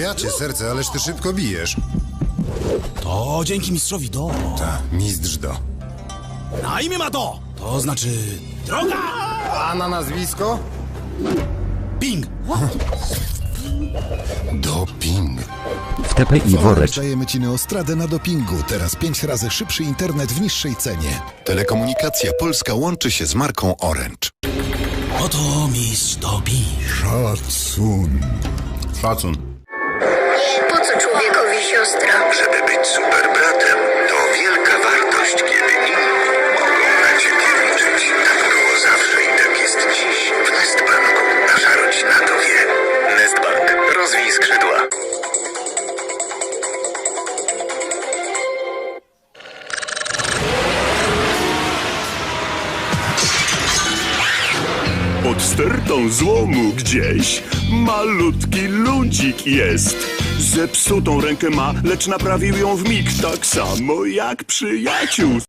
Ja cię serce, ależ ty szybko bijesz. To dzięki mistrzowi Do. Ta, mistrz Do. Na imię ma Do. To znaczy droga. A na nazwisko? Ping. Doping. W TPI woreczek. Dajemy ci Neostradę na dopingu. Teraz 5 razy szybszy internet w niższej cenie. Telekomunikacja Polska łączy się z marką Orange. Oto mistrz Doping. Szacun. Szacun. Po co człowiekowi siostra? Żeby być super bratem, to wielka wartość, kiedy inni mogą na ciebie liczyć. Tak było zawsze i tak jest dziś. W Nestbanku nasza rodzina to wie. Nestbank. Rozwij skrzydła. Pod stertą złomu gdzieś malutki ludzik jest. Zepsutą rękę ma, lecz naprawił ją w mig tak samo jak przyjaciół.